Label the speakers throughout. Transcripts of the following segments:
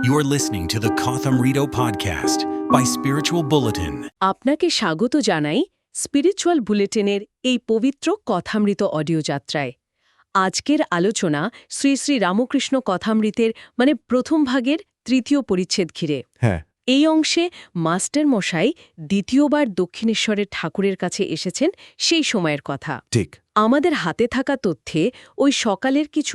Speaker 1: You're listening to the Kotham Rito podcast by Spiritual Bulletin.
Speaker 2: আপনাকে স্বাগত জানাই spiritual বুলেটিনের এই পবিত্র কথামৃত অডিও যাত্রায়। আজকের আলোচনা শ্রী শ্রী রামকৃষ্ণ কথামৃতের প্রথম ভাগের তৃতীয় পরিচ্ছেদ ঘিরে। এই অংশে মাস্টার মশাই দ্বিতীয়বার দক্ষিণেশ্বরের ঠাকুরের কাছে এসেছেন সেই সময়ের কথা।
Speaker 3: ঠিক
Speaker 2: আমাদের হাতে থাকা তথ্যে ওই সকালের কিছু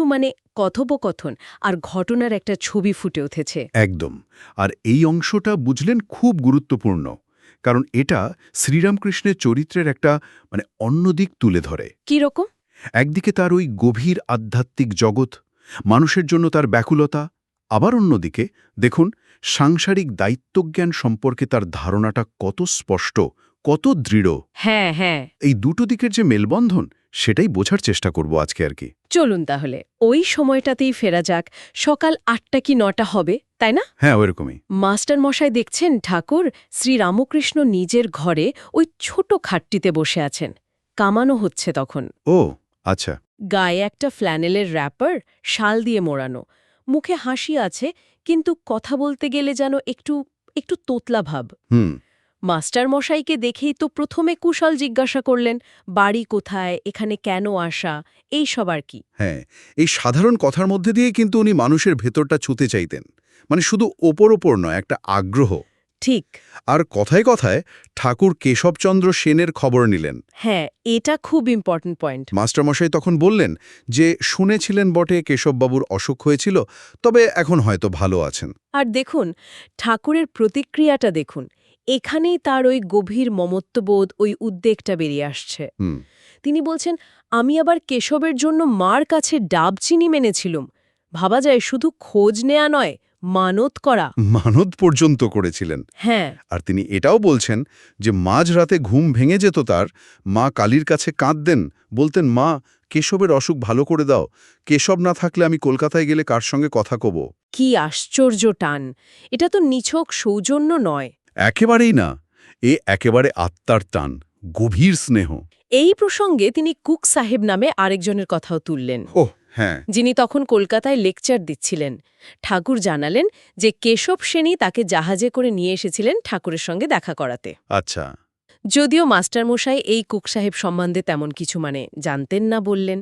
Speaker 2: কথোপকথন আর ঘটনার একটা ছবি ফুটে উঠেছে।
Speaker 3: একদম। আর এই অংশটা বুঝলেন খুব গুরুত্বপূর্ণ, কারণ এটা শ্রীরামকৃষ্ণের চরিত্রের একটা অন্য দিক তুলে ধরে।
Speaker 2: কি রকম?
Speaker 3: একদিকে তার ওই গভীর আধ্যাত্মিক জগৎ, মানুষের জন্য তার ব্যাকুলতা, আবার অন্যদিকে দেখুন সাংসারিক দায়িত্বজ্ঞান সম্পর্কে তার ধারণাটা কত স্পষ্ট, কত দৃঢ়।
Speaker 2: হ্যাঁ,
Speaker 3: এই দুটো দিকের যে মেলবন্ধন, সেটাই বোঝার চেষ্টা করব আজকে আর কি।
Speaker 2: চলুন তাহলে ওই সময়টাতেই ফেরা যাক। সকাল 8টা কি 9টা হবে, তাই না?
Speaker 3: হ্যাঁ, ওইরকমই।
Speaker 2: মাস্টার মশাই দেখছেন ঠাকুর শ্রীরামকৃষ্ণ নিজের ঘরে ওই ছোট খাটটিতে বসে আছেন। কামানো হচ্ছে তখন।
Speaker 3: ও আচ্ছা।
Speaker 2: গায়ে একটা ফ্ল্যানেলের র্যাপার, শাল দিয়ে মোড়ানো, মুখে হাসি আছে, কিন্তু কথা বলতে গেলে যেন একটু তোতলা ভাব। মাস্টার মশাইকে দেখেই তো প্রথমে কুশল জিজ্ঞাসা করলেন, বাড়ি কোথায়, এখানে কেন আসা, এই সব আর কি।
Speaker 3: হ্যাঁ, এই সাধারণ কথার মধ্যে দিয়ে কিন্তু উনি মানুষের ভেতরটা ছুঁতে চাইতেন, শুধু ওপর নয়, একটা আগ্রহ।
Speaker 2: ঠিক।
Speaker 3: আর কথায় কথায় ঠাকুর কেশবচন্দ্র সেনের খবর নিলেন।
Speaker 2: হ্যাঁ, এটা খুব ইম্পর্ট্যান্ট পয়েন্ট।
Speaker 3: মাস্টারমশাই তখন বললেন যে শুনেছিলেন বটে কেশববাবুর অসুখ হয়েছিল, তবে এখন হয়তো ভালো আছেন।
Speaker 2: আর দেখুন ঠাকুরের প্রতিক্রিয়াটা দেখুন, এখানেই তার ওই গভীর মমত্ববোধ, ওই উদ্বেগটা বেরিয়ে আসছে। তিনি বলছেন, আমি আবার কেশবের জন্য মার কাছে ডাব চিনি মেনেছিলুম। ভাবা যায় শুধু খোঁজ নেয়া নয়, মানত করা।
Speaker 3: মানত পর্যন্ত করেছিলেন।
Speaker 2: হ্যাঁ।
Speaker 3: আর তিনি এটাও বলছেন যে মাঝরাতে ঘুম ভেঙে যেত তার, মা কালীর কাছে কাঁদতেন, বলতেন, মা কেশবের অসুখ ভালো করে দাও, কেশব না থাকলে আমি কলকাতায় গেলে কার সঙ্গে কথা কব।
Speaker 2: কি আশ্চর্য টান! এটা তো নিছক সৌজন্য নয়।
Speaker 3: একেবারেই না, এ একেবারে আত্মার টান, গভীর স্নেহ।
Speaker 2: এই প্রসঙ্গে তিনি কুক সাহেব নামে আরেকজনের কথাও তুললেন।
Speaker 3: হ্যাঁ,
Speaker 2: যিনি তখন কলকাতায় লেকচার দিচ্ছিলেন। ঠাকুর জানালেন যে কেশব সেনই তাকে জাহাজে করে নিয়ে এসেছিলেন ঠাকুরের সঙ্গে দেখা করাতে।
Speaker 3: আচ্ছা।
Speaker 2: যদিও মাস্টারমশাই এই কুক সাহেব সম্বন্ধে তেমন কিছু জানতেন না বললেন।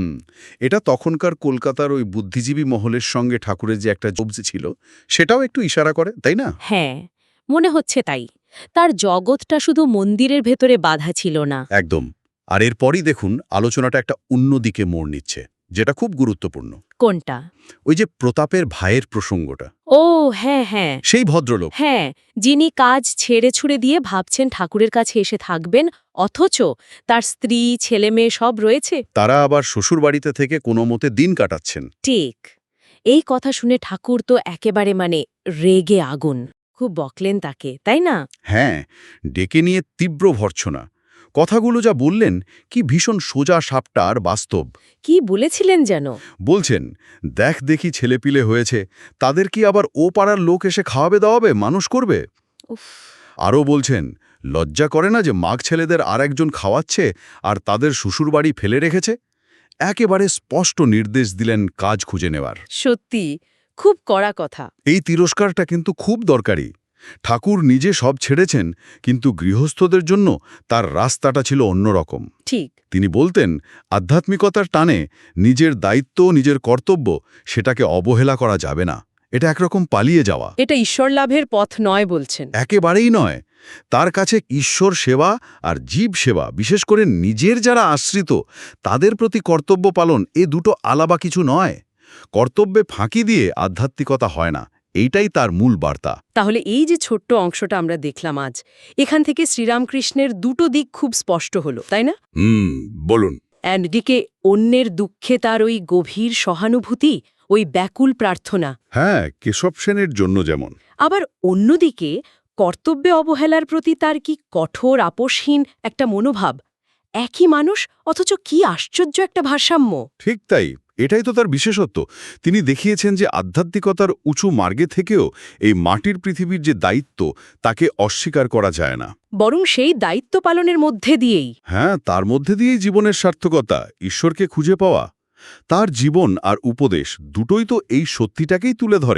Speaker 3: এটা তখনকার কলকাতার ওই বুদ্ধিজীবী মহলের সঙ্গে ঠাকুরের যে একটা জবজি ছিল, সেটাও একটু ইশারা করে, তাই না?
Speaker 2: হ্যাঁ, মনে হচ্ছে তাই। তার জগৎটা শুধু মন্দিরের ভেতরে বাঁধা ছিল না।
Speaker 3: একদম। আর এরপরই দেখুন আলোচনাটা একটা অন্য দিকে মোড় নিচ্ছে, যেটা খুব গুরুত্বপূর্ণ।
Speaker 2: কোনটা?
Speaker 3: ওই যে প্রতাপের ভাইয়ের প্রসঙ্গটা।
Speaker 2: ও হ্যাঁ,
Speaker 3: সেই ভদ্রলোক।
Speaker 2: হ্যাঁ, যিনি কাজ ছেড়ে ছুড়ে দিয়ে ভাবছেন ঠাকুরের কাছে এসে থাকবেন, অথচ তার স্ত্রী, ছেলে মেয়ে সব রয়েছে।
Speaker 3: তারা আবার শ্বশুরবাড়িতে থেকে কোনো মতে দিন কাটাচ্ছেন।
Speaker 2: ঠিক। এই কথা শুনে ঠাকুর তো একেবারে রেগে আগুন। খুব বকলেন তাকে, তাই না?
Speaker 3: হ্যাঁ, ডেকে নিয়ে তীব্র ভর্ৎসনা। কথাগুলো যা বললেন, কি ভীষণ সোজা সাপটা আর বাস্তব।
Speaker 2: কি বলেছিলেন যেন?
Speaker 3: বলছেন, দেখি ছেলেপিলে হয়েছে, তাদের কি আবার ও পাড়ার লোক এসে খাওয়াবে দাওয়াবে, মানুষ করবে?
Speaker 2: উফ।
Speaker 3: আরও বলছেন, লজ্জা করে না যে মাগ ছেলেদের আর একজন খাওয়াচ্ছে আর তাদের শ্বশুরবাড়ি ফেলে রেখেছে? একেবারে স্পষ্ট নির্দেশ দিলেন কাজ খুঁজে নেওয়ার।
Speaker 2: সত্যি খুব কড়া কথা।
Speaker 3: এই তিরস্কারটা কিন্তু খুব দরকারি। ঠাকুর নিজে সব ছেড়েছেন, কিন্তু গৃহস্থদের জন্য তার রাস্তাটা ছিল অন্যরকম।
Speaker 2: ঠিক।
Speaker 3: তিনি বলতেন, আধ্যাত্মিকতার টানে নিজের দায়িত্ব, নিজের কর্তব্য, সেটাকে অবহেলা করা যাবে না। এটা একরকম পালিয়ে যাওয়া।
Speaker 2: এটা ঈশ্বর লাভের পথ নয় বলছেন।
Speaker 3: একেবারেই নয়। তার কাছে ঈশ্বর সেবা আর জীব সেবা, বিশেষ করে নিজের যারা আশ্রিত, তাদের প্রতি কর্তব্য পালন, এ দুটো আলাদা কিছু নয়। কর্তব্যে ফাঁকি দিয়ে আধ্যাত্মিকতা হয় না, এইটাই তার মূল বার্তা।
Speaker 2: তাহলে এই যে ছোট্ট অংশটা আমরা দেখলাম আজ, এখান থেকে শ্রীরামকৃষ্ণের দুটো দিক খুব স্পষ্ট হলো, তাই না?
Speaker 3: বলুন।
Speaker 2: একদিকে অন্যের দুঃখে তার ওই গভীর সহানুভূতি, ওই ব্যাকুল প্রার্থনা।
Speaker 3: হ্যাঁ, কেশব সেনের জন্য যেমন।
Speaker 2: আবার অন্যদিকে কর্তব্যে অবহেলার প্রতি তার কি কঠোর আপোষহীন একটা মনোভাব। একই মানুষ, অথচ কি আশ্চর্য একটা ভারসাম্য।
Speaker 3: ঠিক তাই, এটাই তো তার বিশেষত্ব। তিনি দেখিয়েছেন যে আধ্যাত্মিকতার উঁচু মার্গে থেকেও এই মাটির পৃথিবীর যে দায়িত্ব, তাকে অস্বীকার করা যায় না,
Speaker 2: বরং সেই দায়িত্ব পালনের মধ্যে দিয়েই।
Speaker 3: হ্যাঁ, তার মধ্যে দিয়েই জীবনের সার্থকতা, ঈশ্বরকে খুঁজে পাওয়া। তার জীবন আর উপদেশ দুটোই তো এই সত্যিটাকেই তুলে ধরে।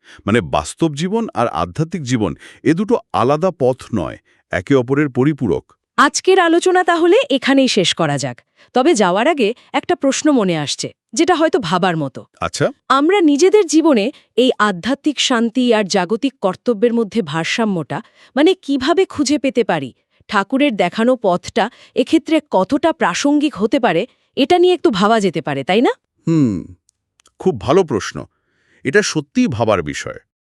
Speaker 3: মানে বাস্তব জীবন আর আধ্যাত্মিক জীবন এ দুটো আলাদা পথ নয়, একে অপরের পরিপূরক।
Speaker 2: আজকের আলোচনা তাহলে এখানেই শেষ করা যাক। তবে যাওয়ার আগে একটা প্রশ্ন মনে আসছে, যেটা হয়তো ভাবার মতো।
Speaker 3: আচ্ছা,
Speaker 2: আমরা নিজেদের জীবনে এই আধ্যাত্মিক শান্তি আর জাগতিক কর্তব্যের মধ্যে ভারসাম্যটা মানে কিভাবে খুঁজে পেতে পারি? ঠাকুরের দেখানো পথটা এক্ষেত্রে কতটা প্রাসঙ্গিক হতে পারে, এটা নিয়ে একটু ভাবা যেতে পারে, তাই না?
Speaker 3: খুব ভালো প্রশ্ন। এটা সত্যিই ভাবার বিষয়।